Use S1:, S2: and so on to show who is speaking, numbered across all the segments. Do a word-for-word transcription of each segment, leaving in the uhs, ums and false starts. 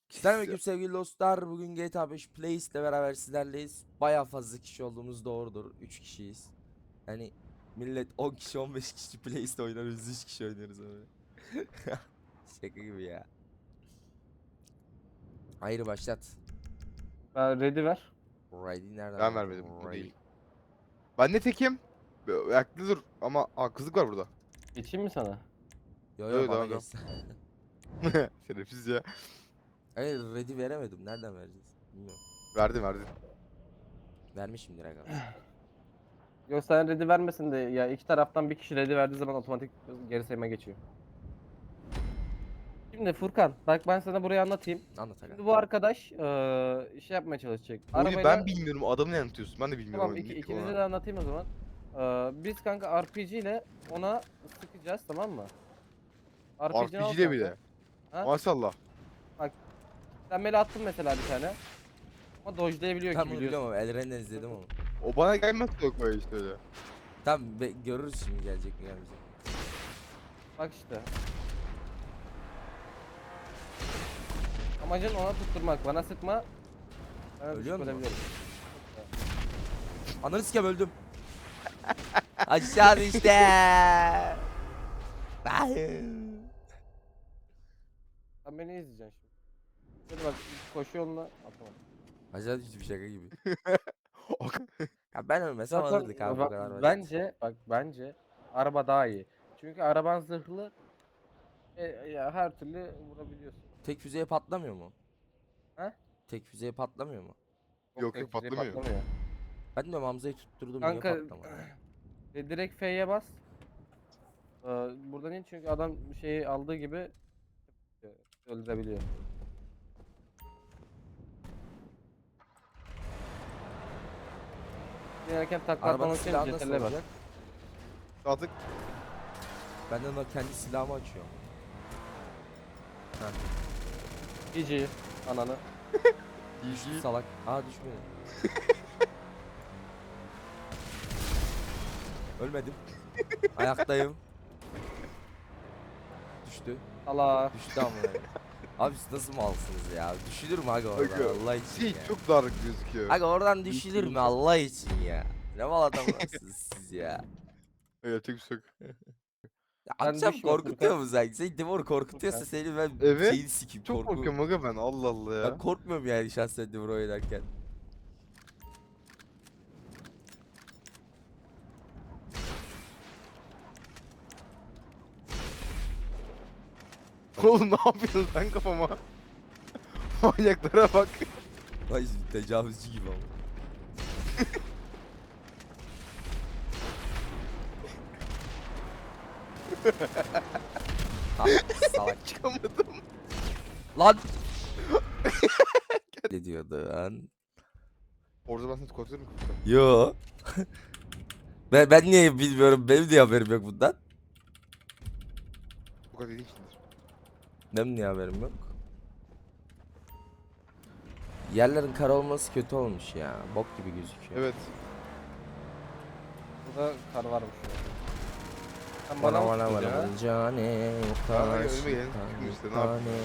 S1: Selamünaleyküm sevgili dostlar. Bugün G T A beş Playlist ile beraber sizlerleyiz. Bayağı fazla kişi olduğumuz doğrudur. üç kişiyiz. Yani millet on kişi on beş kişi Playlist oynar, biz üç kişi oynuyoruz öyle. Şaka gibi ya. Hayır başlat.
S2: Ben ready ver.
S1: Ready nereden
S3: Ben
S1: vereceğim?
S3: vermedim. Bu
S1: Ready.
S3: değil. Ben ne tekim? Be- Ayakta dur ama haksızlık var burada.
S2: Geçeyim mi sana?
S1: Yo yo
S3: Yo,
S1: bana
S3: devam, devam.
S1: gelsin.
S3: Şerefsiz ya.
S1: Hayır ready veremedim. Nereden vereceğiz? Bilmiyorum.
S3: Verdin verdin.
S1: Vermişimdir aga.
S2: Yok sen ready vermesin de ya iki taraftan bir kişi ready verdiği zaman otomatik geri sayıma geçiyor. Şimdi Furkan bak ben sana burayı anlatayım.
S1: Anlat aga.
S2: Şimdi bu arkadaş eee şey yapmaya çalışacak.
S3: Oyunu
S2: Arabayla...
S3: ben bilmiyorum, adamı ne anlatıyorsun? Ben de bilmiyorum
S2: Tamam
S3: oyunu.
S2: iki,
S3: Ne
S2: ikinize
S3: ona.
S2: de anlatayım o zaman. Eee biz kanka R P G ile ona sıkacağız, tamam mı? R P G'ni al
S3: R P G'de
S2: kanka.
S3: bile.
S2: Ha?
S3: Maşallah.
S2: Sen böyle attın mesela bir tane. Ama dodge'layabiliyor
S1: Tam
S2: ki
S1: bunu
S2: biliyorsun.
S1: biliyorum ama Elren'den izledim onu.
S3: O bana gelmez yok böyle işte öyle.
S1: Tam be- görürüz şimdi gelecek mi gelmeyecek mi.
S2: Bak işte. Amacın ona tutturmak. Bana sıkma. Ben
S1: Ölüyor
S2: düşüp
S1: mu?
S2: ölebilirim.
S1: Ananı sikem öldüm. Aşağı işte.
S2: Sen beni izleyeceksin şimdi. Şöyle bak koşu yoluna atamam.
S1: Aşağı düştü bir şaka gibi. Ya ben ölmesem
S2: Zaten
S1: alırdık abi bu
S2: bak,
S1: kadar basit.
S2: bence bak bence araba daha iyi. Çünkü araban zırhlı. E, ya her türlü vurabiliyorsun.
S1: Tek füzeye patlamıyor mu?
S2: He?
S1: Tek füzeye patlamıyor mu?
S3: Yok,
S2: tek
S3: yok,
S2: füzeye
S3: patlamıyor.
S1: Ben diyorum Hamza'yı tutturdum
S2: Kanka
S1: niye patlamadı?
S2: e, direkt F'ye bas. Ee, buradan in çünkü adam şeyi aldığı gibi e, öldürebiliyor. Dinerken takla
S1: Arabanın
S2: atlamak için
S1: silahı nasıl
S2: C T R'le bas.
S1: olacak?
S3: Artık
S1: Ben de ona kendi silahımı açıyorum.
S2: G G ananı.
S1: Düştü salak. Aa düşmedi. Ölmedim. Ayaktayım. Düştü.
S2: Allah.
S1: Düştü amına. Abi siz nasıl malsınız ya? Düşülür mü aga oradan
S3: Aga,
S1: Allah için
S3: şey
S1: ya?
S3: çok dar gözüküyor.
S1: Aga oradan düşülür mü Allah için ya? Ne mal adamlarsınız siz ya?
S3: Evet, çok çok.
S1: Ya
S2: Ben
S1: akşam
S2: düşme
S1: korkutuyor
S2: Furkan.
S1: mu sanki? Seni Dimor korkutuyorsa
S2: Furkan.
S1: seni ben
S3: Evet,
S1: şeyini sikeyim
S3: Çok
S1: korku.
S3: korkuyorum aga ben, Allah Allah ya.
S1: Ben korkmuyorum yani şahsen Dimor oynarken.
S3: Oğlum ne yapıyorsun sen kafama? Manyaklara bak.
S1: Vay şimdi tecavüzcü gibi ama. Ha, salak.
S3: Çıkamadım.
S1: Lan! Ne diyordun?
S3: Orada ben seni korkuturum.
S1: Yo. ben, ben niye bilmiyorum. Benim niye haberim yok bundan?
S3: Bu kadar dediğin içindir.
S1: Benim niye haberim yok? Yerlerin kara olması kötü olmuş ya. Bok gibi gözüküyor.
S3: Evet.
S2: Burada kar varmış ya. Sen bana
S1: Bana
S2: mı
S1: bana
S2: tuttun
S1: bana
S2: ya?
S1: bana cane
S3: Bana önüme
S1: karşı
S3: gelin, çıkın işte, ne
S1: tane.
S3: yapayım?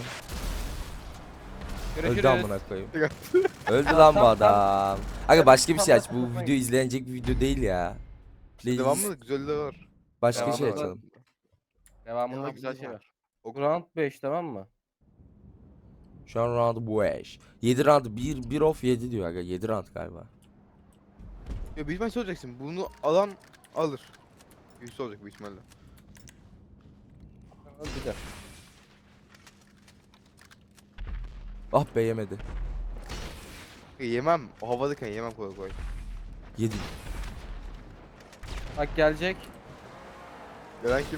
S1: Öldü
S2: Görüşürüz.
S1: amına koyayım.
S3: Tek
S1: Öldü
S2: Tamam,
S1: lan bu
S2: tamam,
S1: adam. Aga başka bir
S2: Tamam,
S1: şey aç.
S2: tamam,
S1: Bu
S2: tamam.
S1: video izlenecek bir video değil ya. Playlist-
S3: Devamlı güzel de var.
S1: Başka
S2: Devamı
S1: şey
S2: da-
S1: açalım.
S2: Devamında
S3: Ya,
S2: güzel
S3: güzel
S2: şey var.
S3: var. O-
S2: Round beş tamam mı?
S1: Şu an round bu eş. yedi round bir bir off yedi diyor aga. yedi round galiba.
S3: Ya büyük ihtimalle şey olacaksın. Bunu alan alır. Yüzü olacak büyük ihtimalle.
S2: Bir de.
S1: Ah be yemedi.
S3: E, yemem. O havadayken yemem kolay kolay.
S1: yedi.
S2: Bak gelecek.
S3: Gelen kim?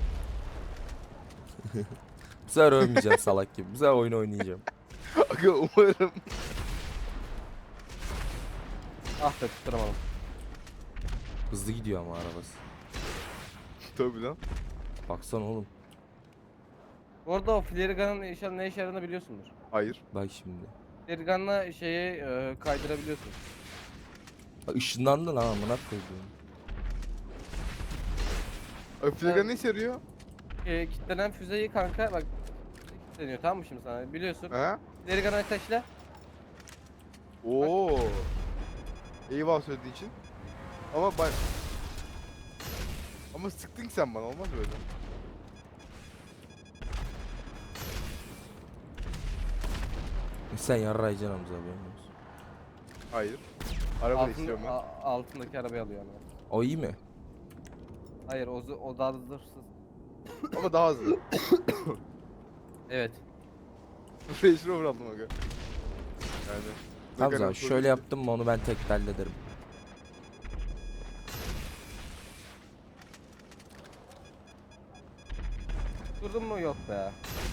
S1: Bu sefer ölmeyeceğim salak gibi. Bu sefer oyun oynayacağım.
S3: Aga umarım.
S2: Ah be tutturamadım.
S1: Hızlı gidiyor ama arabası.
S3: Tabii lan.
S1: Baksana oğlum.
S2: Bu arada o Flerigan'ın işe, ne işe yaradığını biliyorsundur.
S3: Hayır.
S1: Bak şimdi.
S2: Flerigan'la şeyi e, kaydırabiliyorsun.
S1: Bak ışınlandı lan amına koyduğum.
S3: Öflegan ne işe yarıyor?
S2: E, kitlenen füzeyi kanka bak deniyor tamam mı şimdi sana? Biliyorsun.
S3: Ha?
S2: İleri kanal ateşle.
S3: Oo. Eyvallah söylediği için. Ama ben... Ama sıktın sen bana, olmaz böyle.
S1: Sen yarrayacaksın Hamza abi.
S3: Hayır. Araba da
S2: Altın,
S3: istiyorum ben.
S2: a- altındaki arabayı alıyor ama.
S1: O iyi mi?
S2: Hayır o, z- o daha zırhsız.
S3: Ama daha hızlı.
S2: Evet.
S3: Range Rover aldım aga. Yani. ne
S1: Hamza
S3: kadar
S1: abi,
S3: sorun
S1: şöyle
S3: değil.
S1: yaptım mı onu ben tek hallederim.
S2: Durdun mu yok be.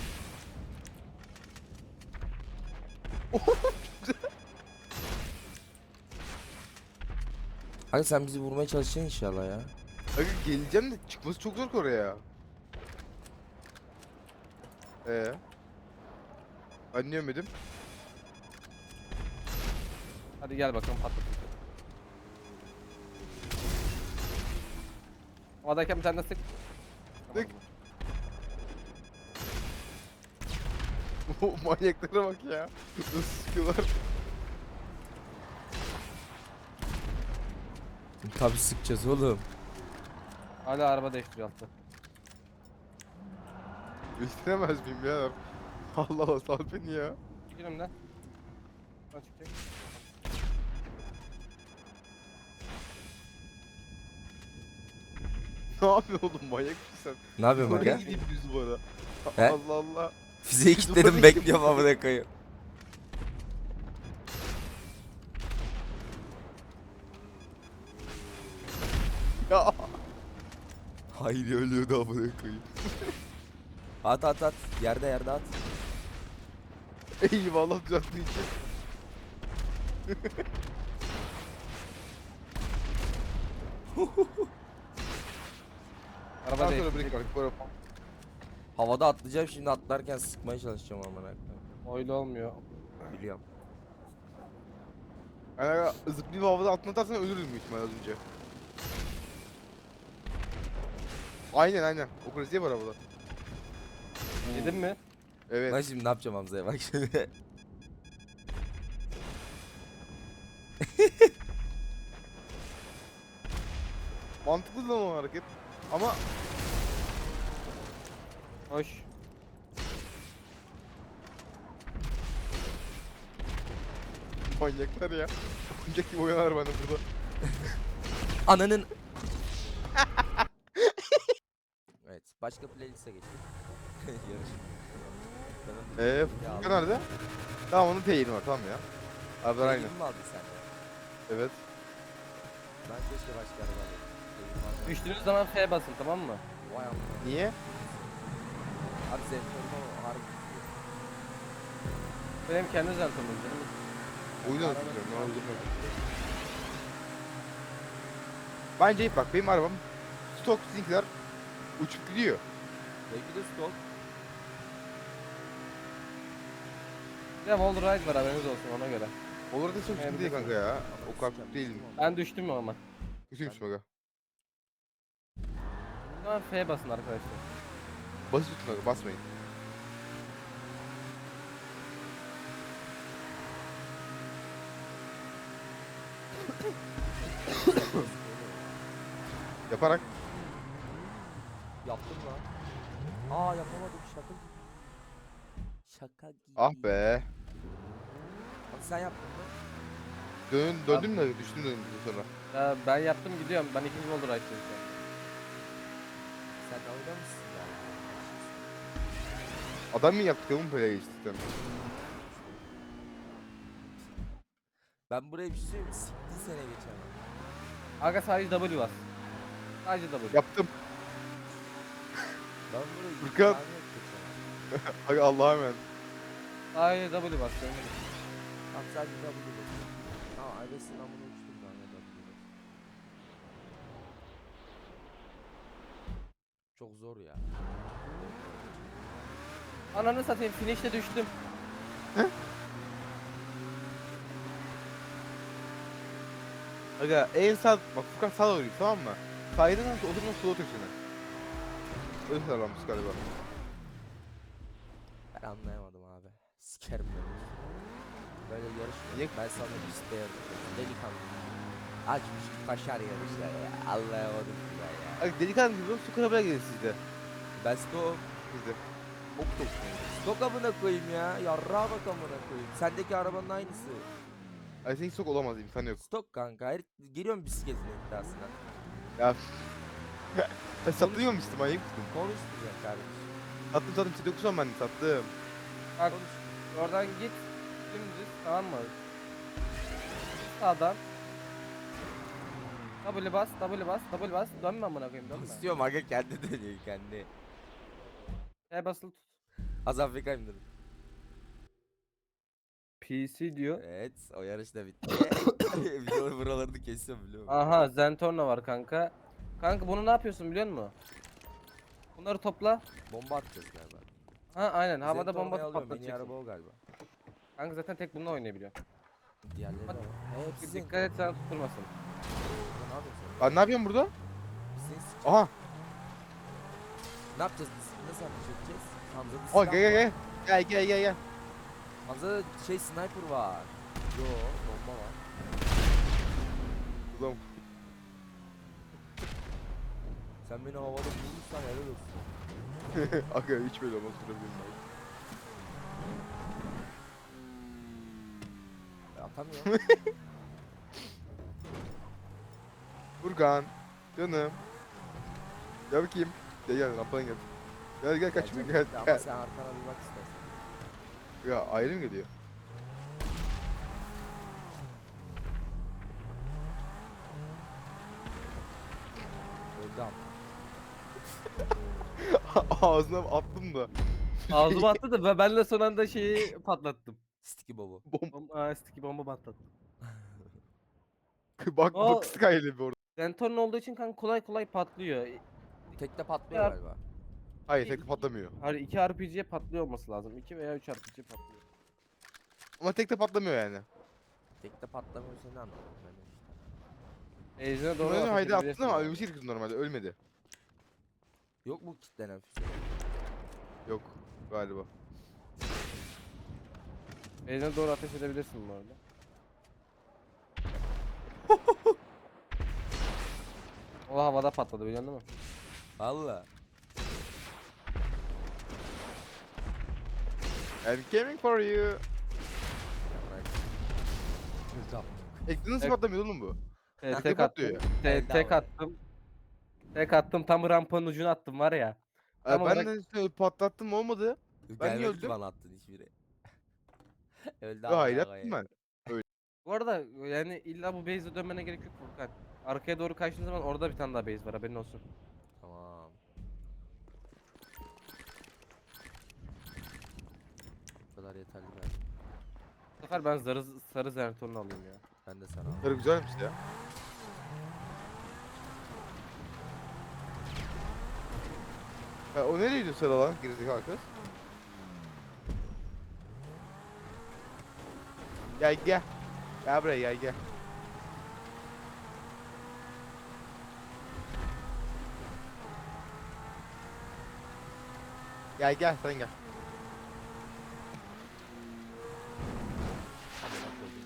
S1: Hadi sen bizi vurmaya çalışacaksın inşallah ya.
S3: Aga geleceğim de çıkması çok zor ki oraya. Ee. Ben niye yemedim?
S2: Hadi gel bakalım patlat. Havadayken bir tane de sık.
S3: Sık. O manyaklara bak ya. Nasıl sıkıyorlar.
S1: Tabi sıkacağız oğlum.
S2: Hala araba değiştiriyor altta.
S3: İstemez miyim ya? Allah Allah, sal beni ya.
S2: Çekil önümden. Buradan çıkacak.
S3: Ne yapıyorsun oğlum, manyak mısın sen?
S1: Ne yapıyorsun
S3: Oraya
S1: aga?
S3: gideyim düz bu arada.
S1: He?
S3: Allah Allah.
S1: Fiziği
S3: Biz
S1: kilitledim,
S3: oraya
S1: bekliyorum amına koyayım.
S3: Ya.
S1: Hayır ölüyordu amına koyayım. At at at. Yerde yerde at.
S3: Eyvallah düzelttiğin için.
S2: Araba
S3: Daha sonra
S2: değiştirecek.
S3: break var. Para.
S1: Havada atlayacağım şimdi, atlarken sıkmaya çalışacağım amına koyayım.
S2: Öyle olmuyor.
S1: Biliyorum.
S3: Yani aga, zıplayıp havada altına atarsan ölürüz büyük ihtimalle az önce. Aynen aynen. O klasiğe var havada.
S2: Yedin mi?
S3: Evet.
S1: Ben şimdi ne yapacağım Hamza'ya bak şimdi.
S3: Mantıklı lan o hareket. Ama
S2: Hoş.
S3: manyaklar ya. Oyuncak gibi oyanar bende burada.
S1: Ananın. Evet, başka playlist'e geçelim. Yarış. Benim-
S3: Eee
S1: Ya
S3: Furkan
S1: Allah.
S3: nerede? Tamam, onun teyini var, tamam ya. Arabalar aynı.
S1: Teyini mi aldın sen de?
S3: Evet.
S1: Ben keşke başka araba alayım. Teyini aldım.
S2: Düştüğünüz zaman F basın tamam mı?
S1: Vay amına.
S3: Niye?
S1: Abi zentorma harbi.
S2: Benim kendi zentomum canım.
S3: Oyunu hatırlıyorum. Ne oldu? Bence iyi bak, benim arabam stok, sizinkiler uçup gidiyor.
S1: Belki de stok.
S2: Bir de wall ride var haberiniz olsun ona göre.
S3: Olur da çok sıkıntı değil kanka ya. O kadar kötü değilim.
S2: Ben düştüm ama.
S3: Kötüymüş aga.
S2: O zaman F basın arkadaşlar.
S3: Basit tutun aga, basmayın. Yaparak.
S1: Yaptım lan. Aa yapamadım, şaka gibi. Şaka gibi.
S3: Ah be.
S1: Abi sen yaptın mı?
S3: Dön, döndüm de düştüm döndüm sonra.
S2: Ya ben yaptım gidiyorum. Ben ikinci wall ride'dayım şu an.
S1: Sen dalga mısın ya?
S3: Adam mı yaptık oğlum böyle geçtikten?
S1: Ben buraya bir şey söyleyeyim mi? Siktin sene geçen.
S2: Aga sadece W bas. Sadece W.
S3: Yaptım.
S1: Ben buraya
S3: Furkan.
S1: yirmi tane geçen.
S3: Aga Allah'a emanet.
S2: Sadece W bas. canım.
S1: Tamam sadece W basıyorum. Tamam Aybes'in amına uçtum ben de W basıyorum. Çok zor ya.
S2: Ananı satayım finish'te düştüm.
S3: Aga en sağ, bak Furkan sağa doğru git, tamam mı? Saydın nasıl oturma sola otur seni. Öyle sağlamış galiba.
S1: Ben anlayamadım abi. Sikerim ben. Böyle yarış mı?
S3: Niye-
S1: Ben sana piste yarışıyorum. Delikanlı. Açmış kaşar yarışlar ya. Anlayamadım ki ben ya.
S3: Abi delikanlı gibi su karabaya gelin sizde.
S1: Ben stok.
S3: Bizde.
S1: Bok topluyorum. Stok amına koyayım ya. Yarrağa bak amına koyayım. Sendeki arabanın aynısı.
S3: Ay senin sok olamaz imkanı yok.
S1: Stok kanka. Her geliyorum bisikletin iddiasına.
S3: Ya. Ben satıyor musun manyak mısın?
S1: Konuşmayacak kardeşim.
S3: Sattım sattım size dokuzan ben de sattım.
S2: Bak oradan git dümdüz, tamam mı? Sağdan. W bas, W bas, W bas. Dönme amına koyayım, dönme.
S1: İstiyorum aga kendi dönüyor kendi.
S2: E basılı tut.
S1: Az Afrika indirdim.
S2: P C diyor.
S1: Evet o yarış da bitti. Videoları buralarını kesiyorum biliyor musun?
S2: Aha, Zentorno var kanka. Kanka bunu ne yapıyorsun biliyor musun? Bunları topla.
S1: Bomba atacağız galiba.
S2: Ha aynen, havada
S1: Zentorno'yu
S2: bomba
S1: alıyorum, en iyi
S2: patlatacaksın.
S1: araba o galiba.
S2: Kanka zaten tek bununla oynayabiliyor.
S1: Diğerleri de
S2: Hadi.
S1: var. Hepsi
S2: Dikkat et sana tutturmasın.
S1: Ne yapıyorsun sen?
S3: Ben ne yapıyorum burada?
S1: Biz seni s-
S3: Aha.
S1: Ne yapacağız biz? Nasıl yapacağız? Hamza'da
S3: Oh
S1: silah
S3: gel gel
S1: var.
S3: gel. Gel gel gel gel.
S1: Hamza'da şey sniper var. Yo bomba var.
S3: Ulan
S1: Sen beni havada vurursan helal olsun.
S3: aga hiç böyle olmaz durabilirim ben.
S1: Ya, atamıyorum.
S3: Furkan. Canım. Gel bakayım. Gel gel rampadan gel. Gel gel kaçma
S1: Gelecek
S3: gel.
S1: Ama
S3: gel.
S1: sen arkana bir bak istersen.
S3: Ya ayrı mı geliyor?
S1: Öldü ama.
S3: Ağzına attım da.
S2: Ağzıma attı da ben- ben de son anda şeyi patlattım.
S1: Sticky bobo.
S3: Bom
S2: Bomba, sticky bomba patlattım.
S3: bak
S2: O-
S3: bak Sky'le bir orada.
S2: Zentorno olduğu için kanka kolay kolay patlıyor.
S1: Tekte patlıyor
S2: Ya-
S1: galiba.
S3: Hayır tek patlamıyor.
S2: Hani iki R P G'ye patlıyor olması lazım. iki veya üç R P G patlıyor.
S3: Ama tek de patlamıyor yani.
S1: Tekte patlamıyorsa ne anladım ben de işte.
S2: Ejder'e doğru
S3: Doğru
S2: ateş
S3: haydi attın
S2: edebilirsin
S3: ama
S2: yani.
S3: ölmesi gerekiyordu normalde ölmedi.
S1: Yok mu kitlenen füze?
S3: Yok galiba.
S2: Ejder'e doğru ateş edebilirsin bu arada. O havada patladı biliyorsun değil mi?
S1: Valla.
S3: I'm coming for you.
S1: Ya bırak. Öldü ama.
S3: Ekran nasıl
S2: Ek-
S3: patlamıyor oğlum bu?
S2: Te-
S3: Tek
S2: tek
S3: patlıyor
S2: attım.
S3: ya.
S2: Te-
S1: Elde
S2: tek
S1: ama.
S2: attım. Tek attım, tam rampanın ucuna attım var ya. Tam
S3: Ee, ben
S2: olarak
S3: de şöyle patlattım olmadı. Ben niye
S1: Gelmedi ki
S3: öldüm?
S1: bana attın hiçbiri. Öldü
S3: Yo, hayır
S1: ama
S3: yaptım ben.
S2: bu arada yani illa bu base'e dönmene gerek yok Furkan. Arkaya doğru kaçtığın zaman orada bir tane daha base var, haberin olsun.
S1: Tamam. Bu kadar yeterli ben.
S2: Bu sefer ben sarı, sarı Zentorno alayım ya.
S1: Ben de sana. al.
S3: Sarı güzelmiş ya. Ha, o nereye gidiyor sarı lan gerizekalı kız? Gel gel. Gel buraya gel gel. Gel gel sen gel.
S1: Amına koyayım.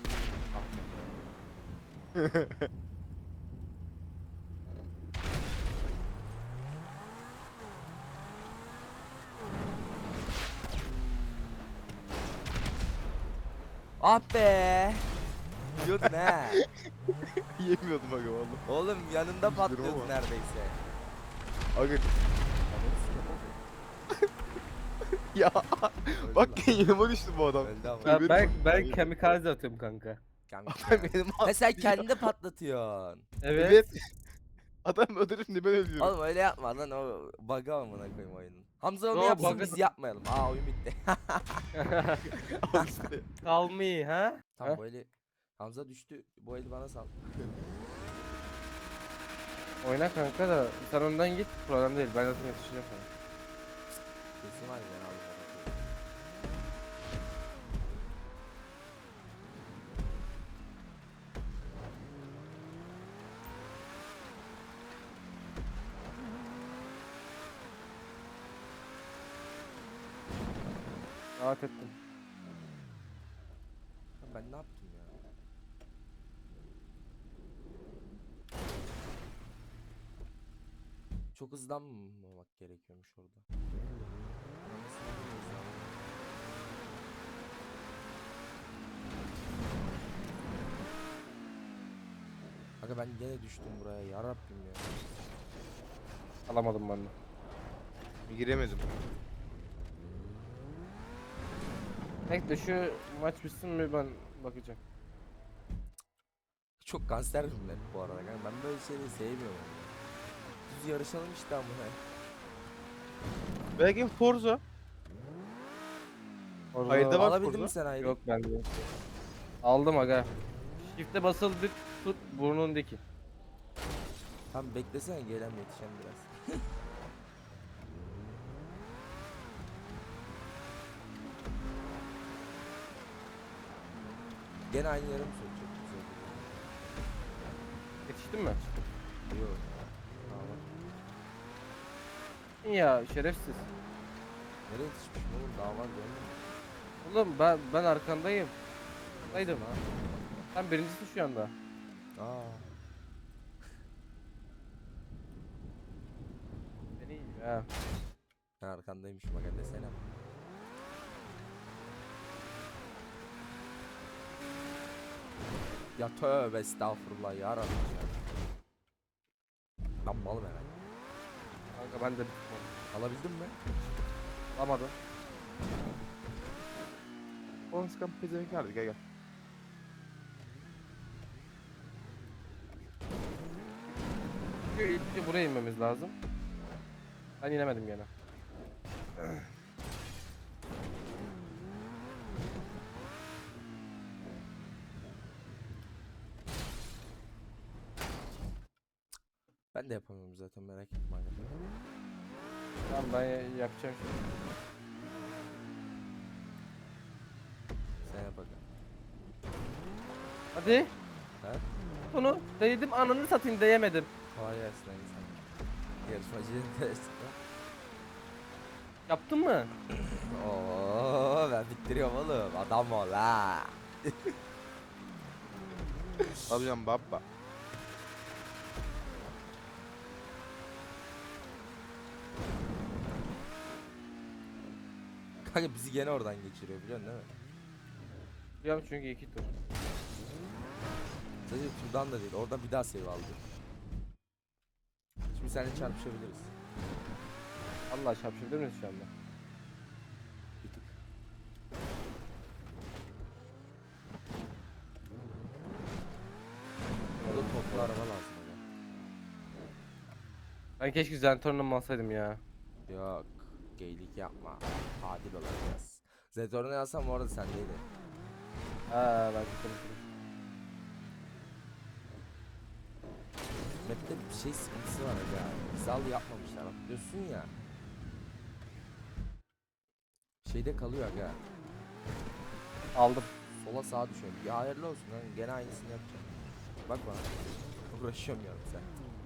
S1: Ah be. Biliyordun he.
S3: Yemiyordum aga valla.
S1: Oğlum yanında
S3: Üzülürüm
S1: patlıyordu
S3: ama.
S1: neredeyse.
S3: Aga
S1: Ananı sikeyim,
S3: ya
S1: öldü
S3: bak
S1: lan.
S3: yanıma düştü bu adam.
S1: Öldü ama.
S2: Ben,
S3: benim
S2: ben,
S3: aklıma
S2: ben
S3: geldi.
S2: kamikaze atıyorum kanka.
S1: Kanka.
S3: Adam benim
S1: Ha sen
S3: aklımda-
S1: kendi patlatıyorsun.
S2: Evet.
S3: Evet. Adam öldürür şimdi ben ölüyorum.
S1: Oğlum öyle yapma lan o bug'a amına koyayım oyunun. Hamza onu
S2: Yo,
S1: yapsın
S2: bug'ı-
S1: biz yapmayalım. Aa oyun bitti.
S3: Al işte.
S2: Call me ha?
S1: Tamam
S2: Ha?
S1: bu eli Hamza düştü. Bu eli bana sal.
S2: Oyna kanka da sen önden git, problem değil, ben zaten yetişeceğim sana.
S1: Kesin var ya ben aldım.
S2: Rahat ettim.
S1: Ya ben ne yaptım ya? Çok hızlanmamak gerekiyormuş orada. Anasını hızlan- Aga ben gene düştüm buraya ya Rabbim ya.
S2: Alamadım ben de.
S3: Giremedim.
S2: Bekle şu maç bitsin mi ben bakacağım.
S1: Çok kanser bir map bu arada kanka. Ben böyle şeyleri sevmiyorum. Düz yarışalım işte ama.
S3: Belki Forza.
S2: Orada
S3: Hayırda var
S1: Alabildin
S3: Forza.
S1: mi sen ayrı?
S2: yok bende. Aldım aga. Shift'e basıldık tut burnundaki.
S1: Tamam beklesene gelen yetişen biraz. Gene aynı yere mi sokacak bizi?
S2: Yetiştin mi?
S1: Yok. Tamam.
S2: Ya şerefsiz.
S1: Nereye yetişmişim oğlum? Daha var görmüyor musun?
S2: Oğlum ben ben arkandayım. Arkandaydım ha. Sen birincisin şu anda.
S1: Aa.
S2: Beni iyi ha.
S1: Ben arkandaymışım aga desene. Ya tövbe estağfurullah ya Rabbi ya. Ben malım herhalde.
S2: Kanka ben de bittim.
S1: Alabildin mi?
S2: Alamadım.
S3: On sıkan pezevenk nerede? Gel gel.
S2: Çünkü ilk önce buraya inmemiz lazım. Ben inemedim gene.
S1: Ben de yapamıyorum zaten merak etme aga.
S2: Tamam ben ya- yapacağım şimdi.
S1: Sen yap aga.
S2: Hadi.
S1: Ha?
S2: Bunu değdim ananı satayım değemedim.
S1: Kolay gelsin aga sen. Yarışmacının dersi.
S2: Yaptın mı?
S1: Oo ben bittiriyorum oğlum. Adam ol ha.
S3: Alacağım baba.
S1: Kanka bizi gene oradan geçiriyor biliyorsun değil mi?
S2: Biliyorum çünkü iki tur.
S1: Sadece turdan da değil. Oradan bir daha save aldı. Şimdi seninle çarpışabiliriz.
S2: Allah çarpışabilir miyiz şu anda?
S1: Bir tık. Orada toplu araba lazım aga.
S2: Ben keşke Zentorn'um alsaydım ya.
S1: Yok. Geylik yapma. Adil olacağız. Zetor'unu yazsam orada sendeydi.
S2: Ha ben konuşurum.
S1: Map'te bir şey sıkıntısı var aga. Hizal yapmamışlar. Diyorsun ya. Şeyde kalıyor aga.
S2: Aldım.
S1: Sola sağa düşüyor. Ya hayırlı olsun lan. Gene aynısını yapacağım. Bak bana. Uğraşıyorum yarım sen.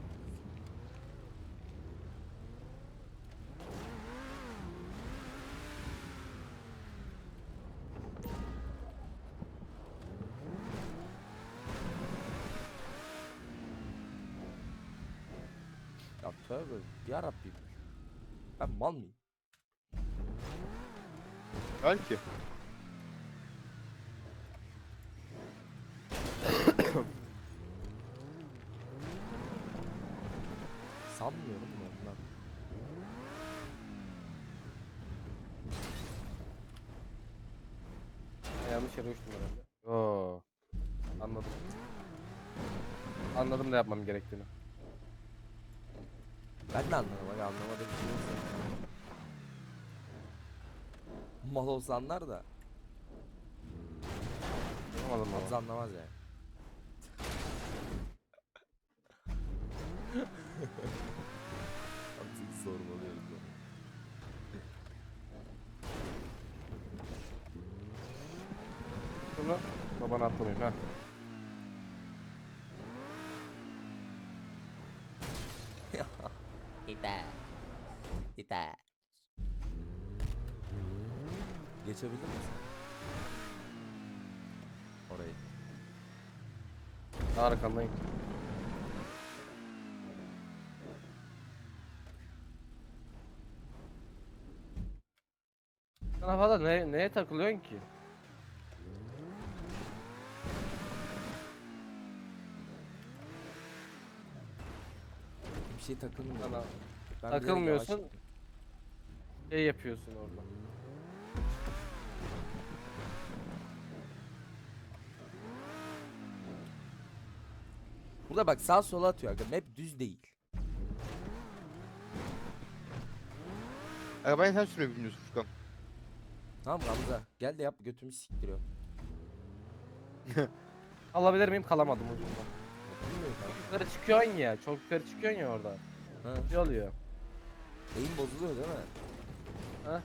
S1: Ya tövbe yarabbim. Ben mal mıyım?
S3: Belki.
S1: Sanmıyorum da ondan.
S2: Ben yanlış yere uçtum herhalde. Oo. Anladım. Anladım ne yapmam gerektiğini.
S1: Ben de anladım aga anlamadığım bir şey yok zaten. Mal olsa anlar da
S2: Anlamadım
S1: Hamza
S2: ama.
S1: anlamaz yani. Hamza'yı sormalıyoruz ya.
S2: Şunu babana atlamayayım ha.
S1: Yeter. Yeter. Geçebilir misin? Orayı.
S2: Arkandayım. Sen havada ne, neye takılıyorsun ki?
S1: Bir şey takılmıyor.
S2: Sana
S1: Ben bilerek yavaş
S2: takılmıyorsun.
S1: gittim.
S2: Şey yapıyorsun orada.
S1: Burada bak sağ sola atıyor aga. Map düz değil.
S3: Arabayı sen sürmeyi bilmiyorsun Furkan.
S1: Tamam Ramza. Gel de yap götümü siktiriyor.
S2: Alabilir miyim? Kalamadım ucunda.
S1: Bilmiyorum kanka.
S2: Yukarı çıkıyorsun ya. Çok yukarı çıkıyorsun ya orada.
S1: Ha.
S2: Ne oluyor?
S1: Eğim bozuluyor değil mi?
S2: Ha?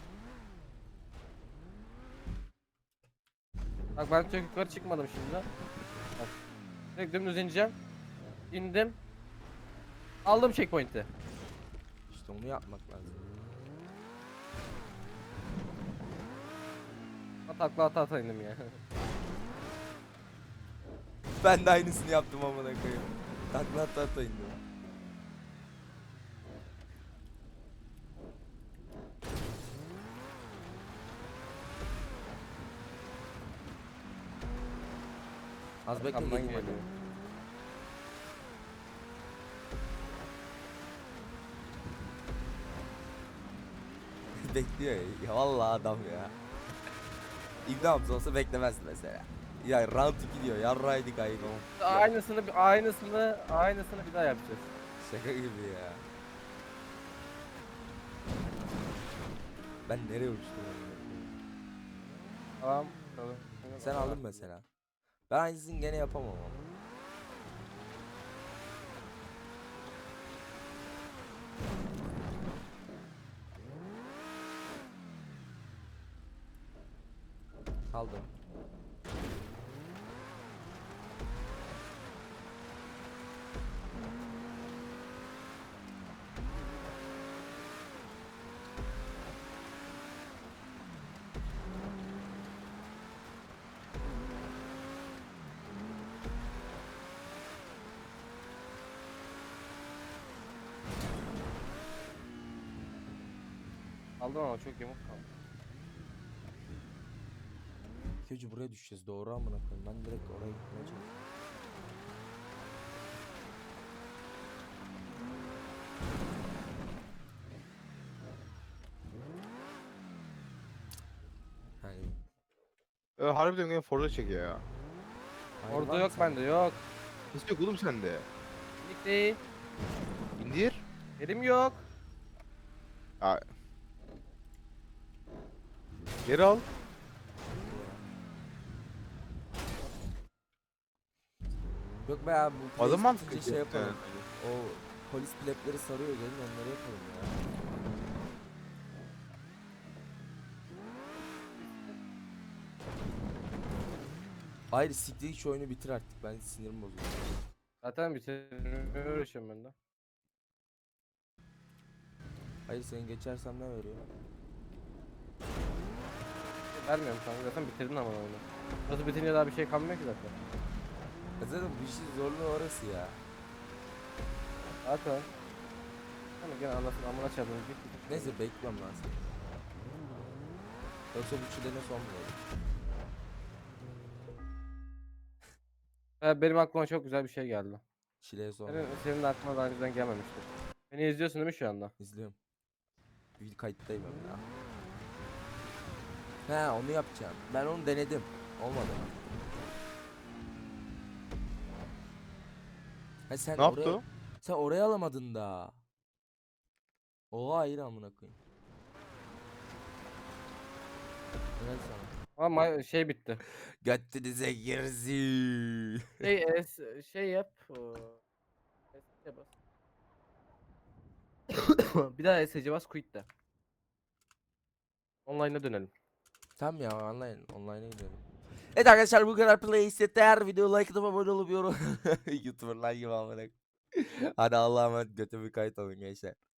S2: Bak ben çok yukarı çıkmadım şimdi. Bak. Direkt dümdüz ineceğim. İndim. Aldım checkpoint'i.
S1: İşte onu yapmak lazım.
S2: Takla ata ata indim ya.
S1: Ben de aynısını yaptım amına koyayım. Takla ata ata indim. Az bekle
S2: Arkamdan
S1: geleyim hadi.
S2: geliyor.
S1: Bekliyor ya. Ya vallahi adam ya. İbni Hamza olsa beklemezdi mesela. Ya round iki diyor. Yarraydık ayıp.
S2: Aynısını aynısını aynısını bir daha yapacağız.
S1: Şaka gibi ya. Ben nereye uçtum?
S2: Tamam. Tamam.
S1: Sen aldın mesela. Ben aynısını gene yapamam ama. Aldım.
S2: Aldım ama çok yamuk kaldı.
S1: İlk buraya düşeceğiz. Doğru amına koyayım. Ben direkt oraya gitmeye çalışıyorum. Hani
S3: Ee, harbiden gene Forza çekiyor ya.
S1: hayır,
S2: Orada
S1: var mı
S2: yok
S1: sende?
S2: bende yok.
S3: Nasıl yok oğlum sende?
S2: Lik değil.
S3: İndir.
S2: Elim yok.
S3: Aa. Geri al.
S1: Yok be abi bu
S3: Adam
S1: place
S3: mantıklı
S1: bitince şey
S3: yaptı.
S1: yapalım. O polis biletleri sarıyor gelin onları yapalım ya. Hayır siktir şu oyunu bitir artık ben sinirim bozuldu.
S2: Zaten bitirmeye uğraşıyorum ben de.
S1: Hayır seni geçersem ne veriyor?
S2: Vermiyorum kanka zaten bitirdin ama oyunu. Burası bitince daha bir şey kalmıyor ki zaten.
S1: Ya zaten bu işin zorluğu orası ya.
S2: Zaten. Ama gene anasını amına çarpın.
S1: Neyse bekliyorum lan seni. Yoksa bu çilene son bulur.
S2: Ha, benim aklıma çok güzel bir şey geldi.
S1: Çileye son
S2: Senin,
S1: bulur.
S2: senin de aklına daha önceden gelmemişti. Beni izliyorsun değil mi şu anda?
S1: İzliyorum. Bir kayıttayım hem ya. He onu yapacağım. Ben onu denedim. Olmadı. Ha sen
S3: Ne yaptı
S1: oraya
S3: o?
S1: sen oraya alamadın da. Oha hayır amına koyayım. Helal sana.
S2: Ama ma- şey bitti.
S1: Göttünüze girzi.
S2: Şey es, şey yap. o, S C bas. Bir daha S C bas quit de. Online'a dönelim.
S1: Tamam ya online online'a gidelim. Evet arkadaşlar bu kadar play isteter. Video like atıp abone olup yorum. YouTuber'lar gibi amına. Hadi Allah'a emanet götümü kayıt alın gençler.